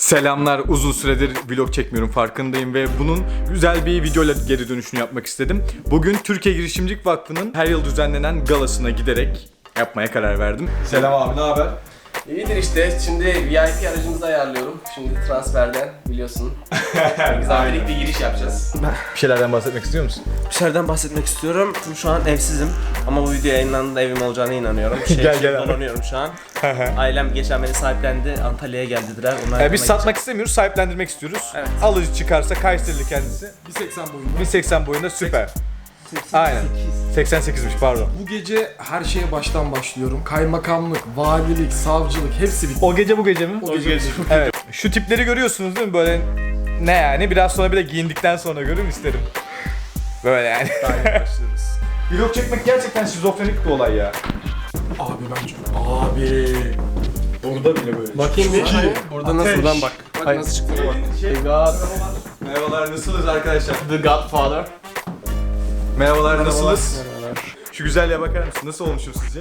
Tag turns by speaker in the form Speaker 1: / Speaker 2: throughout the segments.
Speaker 1: Selamlar, uzun süredir vlog çekmiyorum farkındayım ve bunun güzel bir videoyla geri dönüşünü yapmak istedim. Bugün Türkiye Girişimcilik Vakfı'nın her yıl düzenlenen galasına giderek yapmaya karar verdim. Selam abi, ne haber?
Speaker 2: İyidir işte. Şimdi VIP aracımızı ayarlıyorum. Şimdi transferden biliyorsun. Güzel birlikte giriş yapacağız.
Speaker 1: Bir şeylerden bahsetmek istiyor musun?
Speaker 3: Bir şeylerden bahsetmek istiyorum. Şu an evsizim ama bu video yayınlandığında evim olacağına inanıyorum.
Speaker 1: Gel abi.
Speaker 3: Dolanıyorum şu an. Ailem geçen beni sahiplendi. Antalya'ya geldiler. Onlar
Speaker 1: Biz satmak istemiyoruz, sahiplendirmek istiyoruz.
Speaker 3: Evet.
Speaker 1: Alıcı çıkarsa Kayserili kendisi.
Speaker 4: 1.80 boyunda.
Speaker 1: 1.80 boyunda süper. Aynen. 88'miş pardon.
Speaker 4: Bu gece her şeye baştan başlıyorum. Kaymakamlık, valilik, savcılık hepsi bitti.
Speaker 1: O gece bu gece mi?
Speaker 4: O gece.
Speaker 1: Evet. Şu tipleri görüyorsunuz değil mi? Böyle ne yani? Biraz sonra bir de giyindikten sonra görün isterim. Böyle yani.
Speaker 4: Başlıyoruz.
Speaker 1: Vlog çekmek gerçekten şizofrenik bir olay ya.
Speaker 4: Abi ben çok... Abi.
Speaker 1: Burada bile böyle.
Speaker 2: Bakayım bir. Burada nasıl? Buradan bak. Bak
Speaker 1: Hayır.
Speaker 2: nasıl çıktı bak.
Speaker 3: The God,
Speaker 1: Merhabalar, nasılsınız arkadaşlar?
Speaker 3: The Godfather.
Speaker 1: Merhabalar, nasılsınız? Şu güzelliğe bakar mısın? Nasıl olmuşum sizce?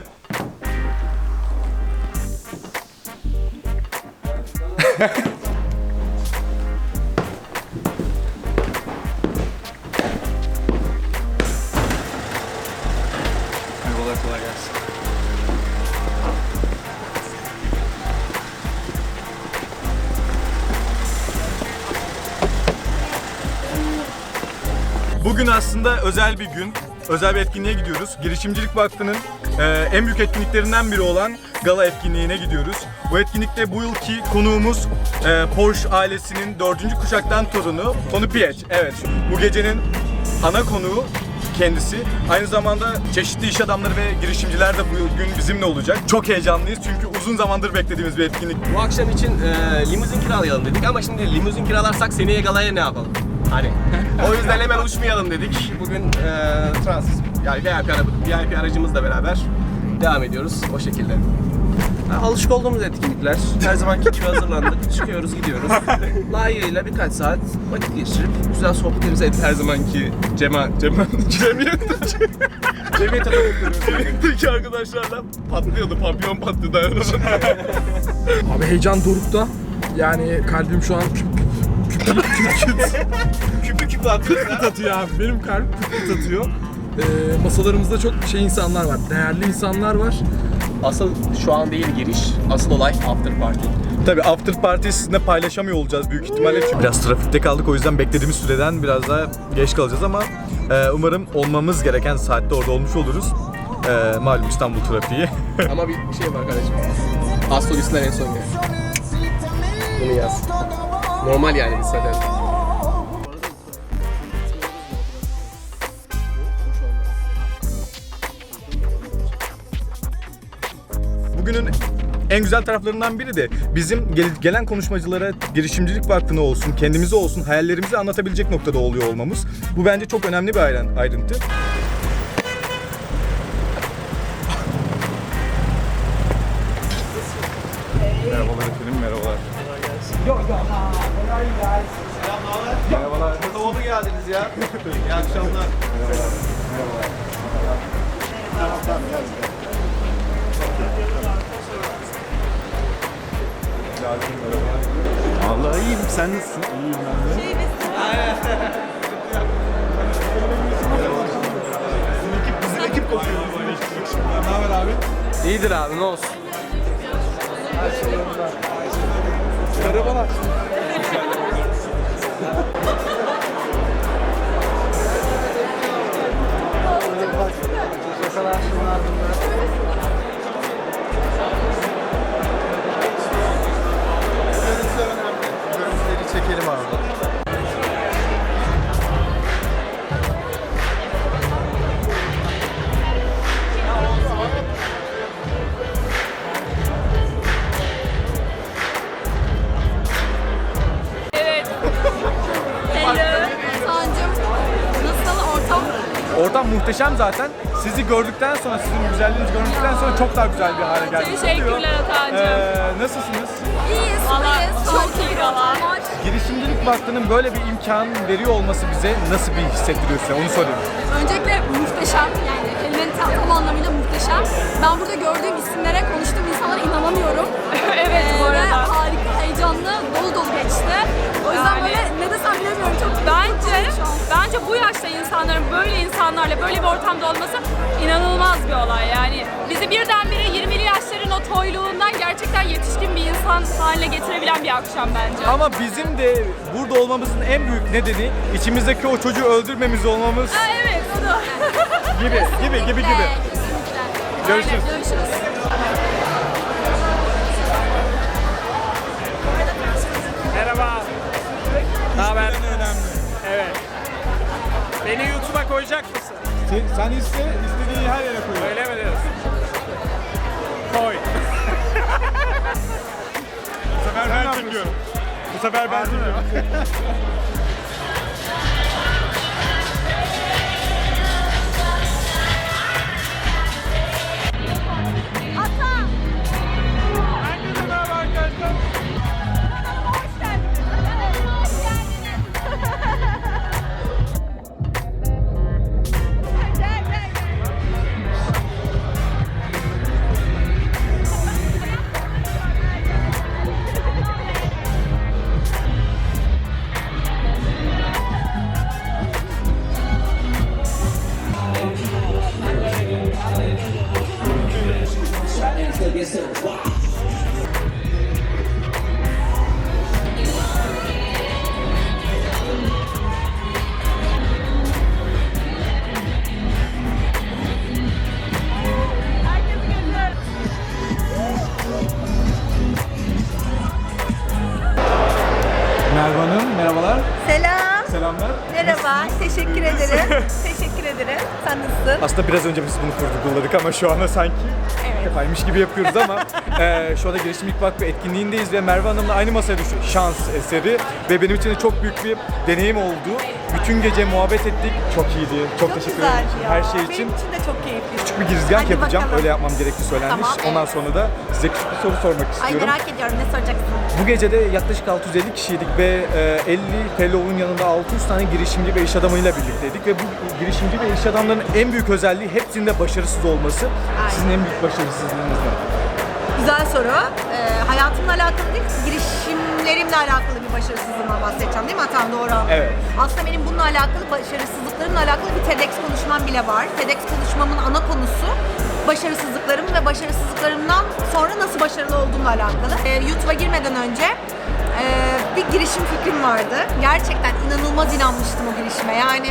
Speaker 1: Merhabalar, kolay gelsin. Bugün aslında özel bir gün. Özel bir etkinliğe gidiyoruz. Girişimcilik Vakfı'nın en büyük etkinliklerinden biri olan gala etkinliğine gidiyoruz. Bu etkinlikte bu yılki konuğumuz Porsche ailesinin 4. kuşaktan torunu Tony Piech. Evet, bu gecenin ana konuğu kendisi. Aynı zamanda çeşitli iş adamları ve girişimciler de bugün bizimle olacak. Çok heyecanlıyız çünkü uzun zamandır beklediğimiz bir etkinlik.
Speaker 2: Bu akşam için limuzin kiralayalım dedik ama şimdi limuzin kiralarsak seneye galaya ne yapalım? Hani o yüzden hemen uçmayalım dedik. Bugün yani VIP aracımızla beraber devam ediyoruz o şekilde.
Speaker 3: Alışık olduğumuz etkinlikler. Her zamanki gibi hazırlandık. Çıkıyoruz, gidiyoruz. Layığıyla birkaç saat vakit geçirip güzel sohbetlerimizi edip her zamanki Cemiyet'teki arkadaşlarla patlıyordu. Papyon patlıyordu.
Speaker 4: Abi heyecan dorukta. Yani kalbim şu an
Speaker 3: küpü
Speaker 4: atıyor abi. Benim kalbim küp atıyor. Masalarımızda çok insanlar var. Değerli insanlar var.
Speaker 2: Asıl şu an değil giriş. Asıl olay after party.
Speaker 1: Tabii after party sizinle paylaşamıyor olacağız büyük ihtimalle çünkü biraz trafikte kaldık, o yüzden beklediğimiz süreden biraz daha geç kalacağız ama umarım olmamız gereken saatte orada olmuş oluruz. Malum İstanbul trafiği.
Speaker 2: Ama bir şey var kardeşim. Astrolistler en son gel. Bunu yaz. Normal yani biz zaten.
Speaker 1: Bugünün en güzel taraflarından biri de bizim gelen konuşmacılara girişimcilik vakfına olsun, kendimize olsun, hayallerimizi anlatabilecek noktada oluyor olmamız. Bu bence çok önemli bir ayrıntı. Merhabalar efendim, merhabalar. Merhabalar.
Speaker 3: Doğru geldiniz ya. İyi akşamlar.
Speaker 1: Vallahi iyiyim, sen nasılsın? İyiyim ben de. Bizim ekip koşuyor. Ne haber abi?
Speaker 2: İyidir abi ne olsun.
Speaker 4: Merhabalar.
Speaker 1: Görüntüleri çekelim abi.
Speaker 5: Evet. Hello. Sancım. Nasıl ortam?
Speaker 1: Ortam muhteşem zaten. Sizi gördükten sonra, sizin güzelliğinizi gördükten sonra çok daha güzel bir hale geldi.
Speaker 5: Teşekkürler Atancığım.
Speaker 1: Nasılsınız?
Speaker 5: İyiyiz, Valla çok iyi valla.
Speaker 1: Girişimcilik Vakfı'nın böyle bir imkan veriyor olması bize nasıl bir hissettiriyor size? Onu sorayım.
Speaker 5: Öncelikle muhteşem, yani kelimenin tam anlamıyla muhteşem. Ben burada gördüğüm isimlere, konuştuğum insanlara inanamıyorum. Evet bu arada. Ve harika, heyecanlı, dolu dolu geçti. Bence bu yaşta insanların böyle insanlarla böyle bir ortamda olması inanılmaz bir olay yani. Bizi birdenbire 20'li yaşların o toyluğundan gerçekten yetişkin bir insan haline getirebilen bir akşam bence.
Speaker 1: Ama bizim de burada olmamızın en büyük nedeni içimizdeki o çocuğu öldürmemiz olmamız
Speaker 5: Ha, evet, o da.
Speaker 1: gibi.
Speaker 5: Kesinlikle.
Speaker 1: Görüşürüz.
Speaker 5: Aynen, görüşürüz.
Speaker 6: Merhaba. Ne haber? Evet. Beni YouTube'a koyacak mısın?
Speaker 1: Sen istediğin her yere koy.
Speaker 6: Öyle mi diyorsun? Koy.
Speaker 1: Bu sefer ben çekiyorum. Bu sefer ben çekiyorum.
Speaker 6: Herkese merhaba arkadaşlar.
Speaker 1: Merve Hanım, merhabalar.
Speaker 7: Selam.
Speaker 1: Selamlar.
Speaker 7: Merhaba. Teşekkür ederim. Teşekkür ederim. Sen nasılsın?
Speaker 1: Aslında biraz önce biz bunu kurguladık ama şu anda sanki yapaymış gibi yapıyoruz ama şu anda Girişimcilik Vakfı etkinliğindeyiz ve Merve Hanım'la aynı masaya düştük. Şans eseri ve benim için de çok büyük bir deneyim oldu. Bütün gece muhabbet ettik. Çok iyiydi. Çok teşekkür
Speaker 7: güzeldi
Speaker 1: ederim
Speaker 7: ya.
Speaker 1: her şey için.
Speaker 7: Benim için de çok keyifli.
Speaker 1: Küçük bir girizgah
Speaker 7: Hadi
Speaker 1: yapacağım.
Speaker 7: bakalım.
Speaker 1: Öyle yapmam gerektiği söylenmiş.
Speaker 7: Tamam,
Speaker 1: Ondan
Speaker 7: evet.
Speaker 1: sonra da size küçük bir soru sormak
Speaker 7: Ay
Speaker 1: istiyorum.
Speaker 7: merak ediyorum ne soracaksın?
Speaker 1: Bu gece de yaklaşık 650 kişiydik ve 50 fellow'un yanında 600 tane girişimci ve iş adamıyla birlikteydik ve bu girişimci ve iş adamlarının en büyük özelliği hepsinde başarısız olması. Sizin en büyük başarısızlığınız ne?
Speaker 7: Güzel soru. Hayatımla alakalı değil, girişimlerimle alakalı bir başarısızlığımdan bahsedeceğim değil mi Atan? Doğru anladım.
Speaker 1: Evet.
Speaker 7: Aslında benim bununla alakalı, başarısızlıklarımla alakalı bir TEDx konuşmam bile var. TEDx konuşmamın ana konusu başarısızlıklarım ve başarısızlıklarımdan sonra nasıl başarılı olduğumla alakalı. YouTube'a girmeden önce bir girişim fikrim vardı. Gerçekten inanılmaz inanmıştım o girişime. Yani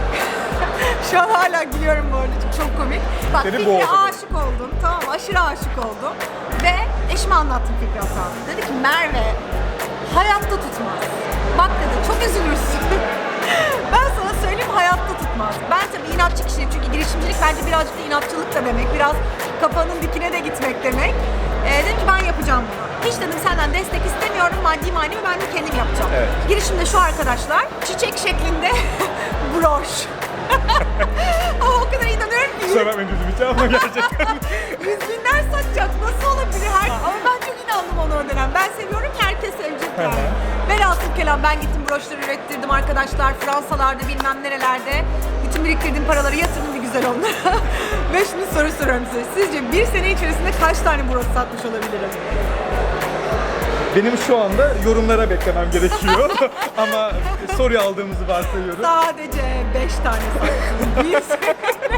Speaker 7: şu an hala gülüyorum bu arada çünkü çok komik. Bak
Speaker 1: Seni
Speaker 7: fikre
Speaker 1: boğdu.
Speaker 7: aşık oldum. Tamam aşırı aşık oldum. Ve eşime anlattım fikri hatamı. Dedi ki Merve hayatta tutmaz. Bak dedi çok üzülürsün. Ben sana söyleyeyim hayatta tutmaz. Ben tabii inatçı kişiyim çünkü girişimcilik bence birazcık da inatçılık da demek. Biraz kafanın dikine de gitmek demek. Dedim ki ben yapacağım bunu. Hiç dedim senden destek istemiyorum. Maddi manevi ben de kendim yapacağım.
Speaker 1: Evet.
Speaker 7: Girişimde şu arkadaşlar çiçek şeklinde broş. Ama o kadar inanıyorum ki
Speaker 1: Kusura bakmayın gözüm hiç ama gerçekten.
Speaker 7: yüz binler satacak nasıl olabilir? Ama ben çok inandım ona o dönem. Ben seviyorum ya herkes sevecek yani. Velhasıl kelam ben gittim broşları ürettirdim arkadaşlar. Fransalarda bilmem nerelerde. Bütün biriktirdiğim paraları yatırdım bir güzel onlara. Ve şimdi soru soruyorum size. Sizce bir sene içerisinde kaç tane broş satmış olabilirim?
Speaker 1: Benim şu anda yorumlara beklemem gerekiyor ama soruyu aldığımızı varsayıyorum.
Speaker 7: Sadece 5 tane sattım. Bir sene.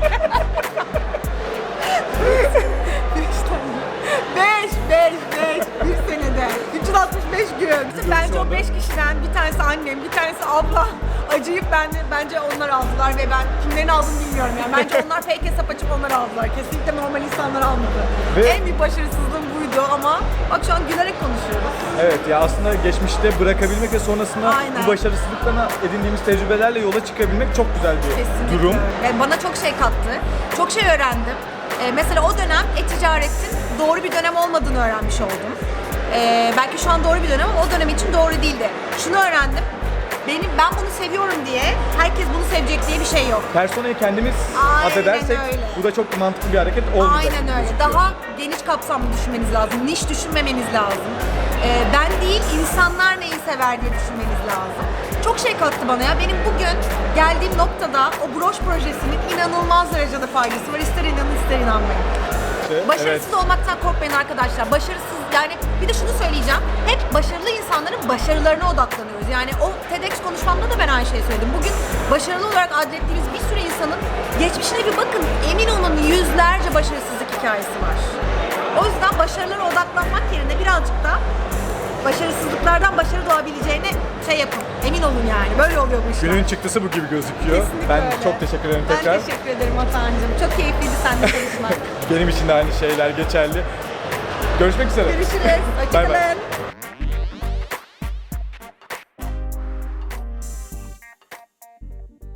Speaker 7: 5 bir senede 365 gün. Bence o 5 kişiden bir tanesi annem, bir tanesi abla acıyıp bence onlar aldılar ve ben kimlerin aldığını bilmiyorum yani. Bence onlar fake hesap açıp onları aldılar. Kesinlikle normal insanlar almadı.
Speaker 1: Ve-
Speaker 7: En büyük başarısızlığım buydu ama bak şu an gülerek konuşuyoruz.
Speaker 1: Evet ya aslında geçmişte bırakabilmek ve sonrasında
Speaker 7: Aynen.
Speaker 1: bu başarısızlıktan edindiğimiz tecrübelerle yola çıkabilmek çok güzel bir
Speaker 7: Kesinlikle.
Speaker 1: durum.
Speaker 7: Ve bana çok şey kattı. Çok şey öğrendim. Mesela o dönem e-ticaretin doğru bir dönem olmadığını öğrenmiş oldum. Belki şu an doğru bir dönem ama o dönem için doğru değildi. Şunu öğrendim. Ben bunu seviyorum diye herkes bunu sevecek diye bir şey yok.
Speaker 1: Personayı kendimiz
Speaker 7: Aynen
Speaker 1: affedersek
Speaker 7: öyle.
Speaker 1: bu da çok mantıklı bir hareket olmayacak.
Speaker 7: Aynen öyle. Daha geniş kapsamlı düşünmeniz lazım. Niş düşünmemeniz lazım. Ben değil, insanlar neyi sever diye düşünmeniz lazım. Çok şey kattı bana ya. Benim bugün geldiğim noktada o broş projesinin inanılmaz derecede faydası var. İster inanın ister inanmayın. Başarısız olmaktan korkmayın arkadaşlar. Başarısız yani bir de şunu söyleyeceğim. Hep başarılı insanların başarılarına odaklanıyoruz. Yani o TEDx konuşmamda da ben aynı şeyi söyledim. Bugün başarılı olarak adlettiğimiz bir sürü insanın geçmişine bir bakın. Emin olun yüzlerce başarısızlık hikayesi var. O yüzden başarılara odaklanmak yerine birazcık da başarısızlıklardan başarı doğabileceğine şey yapın. Emin olun yani. Böyle oluyor bu işler.
Speaker 1: Günün çıktısı bu gibi gözüküyor.
Speaker 7: Kesinlikle
Speaker 1: Ben
Speaker 7: öyle.
Speaker 1: çok teşekkür ederim tekrar.
Speaker 7: Ben teşekkür ederim Atancığım. Çok keyifliydi seninle konuşmak.
Speaker 1: Benim için de aynı şeyler geçerli. Görüşmek üzere.
Speaker 7: Görüşürüz.
Speaker 1: Bay bay.
Speaker 7: Hoşçakalın.